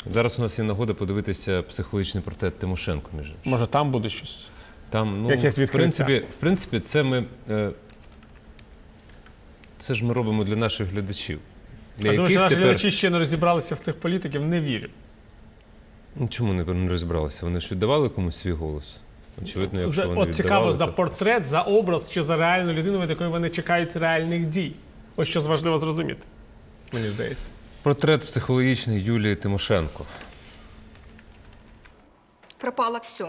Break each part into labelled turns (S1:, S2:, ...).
S1: Зараз у нас є нагода подивитися психологічний портрет Тимошенко, між іншим.
S2: Може, там буде щось?
S1: Там,
S2: якесь відкриття?
S1: в принципі, це ж ми робимо для наших глядачів.
S2: Я думаю, що наші глядачі ще не розібралися в цих політиків, не вірю.
S1: Чому не розібралися? Вони ж віддавали комусь свій голос. Очевидно, якщо вони
S2: От цікаво,
S1: віддавали,
S2: за портрет, за образ чи за реальну людину, від якої вони чекають реальних дій. Ось що важливо зрозуміти, мені здається.
S1: Портрет психологічний Юлії Тимошенко.
S3: Пропало все.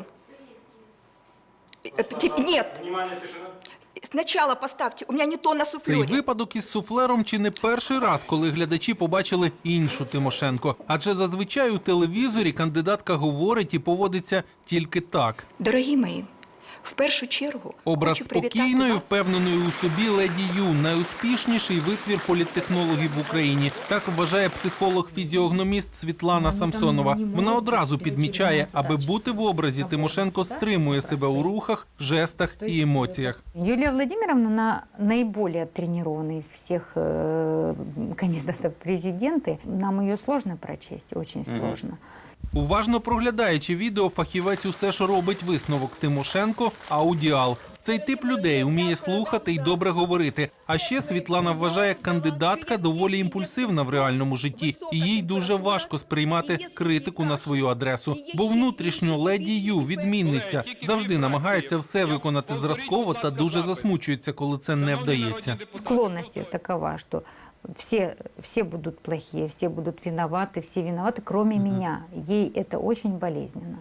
S3: Нет. Сначала поставьте. У меня не то на
S4: Цей
S3: суфлере.
S4: випадок із суфлером чи не перший раз, коли глядачі побачили іншу Тимошенко. Адже зазвичай у телевізорі кандидатка говорить і поводиться тільки так.
S3: Дорогі мої, в першу чергу
S4: Образ
S3: хочу привітати
S4: спокійної,
S3: вас.
S4: впевненої у собі леді Ю – найуспішніший витвір політтехнологів в Україні. Так вважає психолог-фізіогноміст Світлана Самсонова. Вона одразу підмічає, аби бути в образі, Тимошенко стримує себе у рухах, жестах і емоціях.
S5: Юлия Владимировна, она наиболее тренированная из всех кандидатов в президенты. Нам ее сложно прочесть, очень сложно.
S4: Уважно проглядаючи відео, фахівець усе ж робить висновок: Тимошенко – аудіал. Цей тип людей вміє слухати і добре говорити. А ще Світлана вважає, кандидатка доволі імпульсивна в реальному житті. І їй дуже важко сприймати критику на свою адресу. Бо внутрішньо леді Ю, відмінниця, завжди намагається все виконати зразково та дуже засмучується, коли це не вдається.
S5: Склонность ее такова, что все будут плохие, все будут виноваты, все виноваты, кроме меня. Ей это очень болезненно.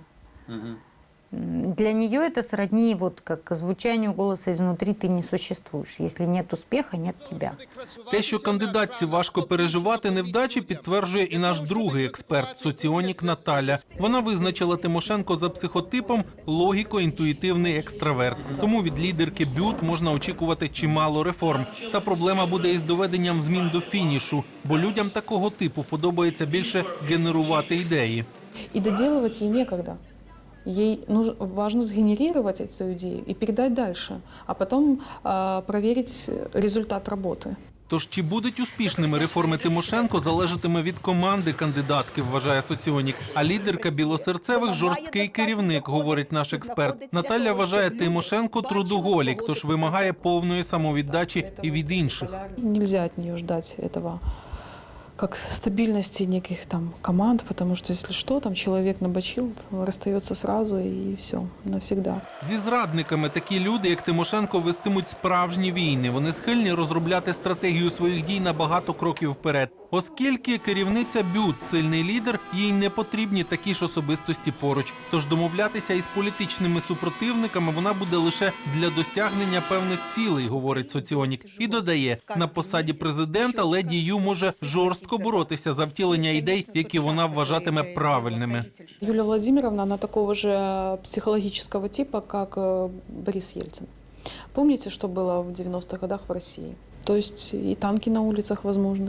S5: Для нее это сродни вот как звучанию голоса изнутри: «Ты не существуешь. Если нет успеха, нет тебя».
S4: Те, що кандидатці важко переживати невдачі, підтверджує і наш другий експерт – соціонік Наталя. Вона визначила Тимошенко за психотипом логіко-інтуїтивний екстраверт. Тому від лідерки БЮТ можна очікувати чимало реформ. Та проблема буде із доведенням змін до фінішу, бо людям такого типу подобається більше генерувати ідеї.
S6: И доделывать ей некогда. Ей важно сгенерировать эту идею и передать дальше, а потом проверить результат работы.
S4: Тож чи будуть успішними реформи Тимошенко, залежатиме від команди кандидатки, вважає соціонік. А лідерка білосерцевих – жорсткий керівник, говорить наш експерт. Наталя вважає, Тимошенко – трудоголік, тож вимагає повної самовіддачі і від інших.
S6: Нельзя от нее ждать этого как стабильности неких там команд, потому что если что, там человек набочил, расстается сразу и все, навсегда.
S4: Зі зрадниками такі люди, як Тимошенко, вестимуть справжні війни. Вони схильні розробляти стратегію своїх дій на багато кроків вперед. Оскільки керівниця БЮТ – сильний лідер, їй не потрібні такі ж особистості поруч. Тож домовлятися із політичними супротивниками вона буде лише для досягнення певних цілей, говорить соціонік. І додає, на посаді президента леді Ю може жорстко боротися за втілення ідей, які вона вважатиме правильними.
S6: Юлия Владимировна, она такого же психологического типа, как Борис Ельцин. Помните, что было в 90-х годах в России? То есть и танки на улицах возможны,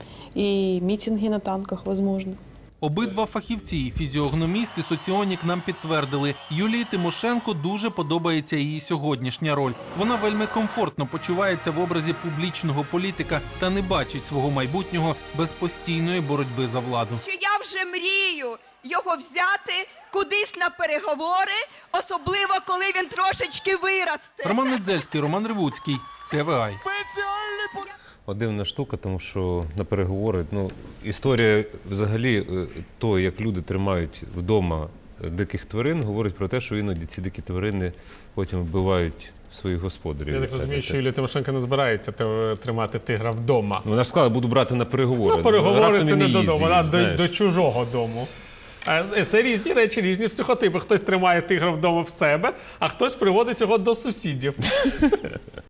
S6: и митинги на танках возможны.
S4: Обидва фахівці, і фізіогноміст, і соціонік, нам підтвердили, Юлії Тимошенко дуже подобається її сьогоднішня роль. Вона вельми комфортно почувається в образі публічного політика та не бачить свого майбутнього без постійної боротьби за владу.
S3: Що я вже мрію його взяти кудись на переговори, особливо коли він трошечки виросте.
S4: Роман Недзельський, Роман Ревуцький, ТВА.
S1: Дивна штука, тому що на переговори, історія взагалі того, як люди тримають вдома диких тварин, говорить про те, що іноді ці дикі тварини потім вбивають своїх господарів.
S2: Я так розумію, що Юлія Тимошенко не збирається тримати тигра вдома.
S1: Вона ж сказала, буду брати на переговори.
S2: Переговори – це не додому, вона
S1: знаєш.
S2: до чужого дому. Це різні речі, різні психотипи. Хтось тримає тигра вдома в себе, а хтось приводить його до сусідів.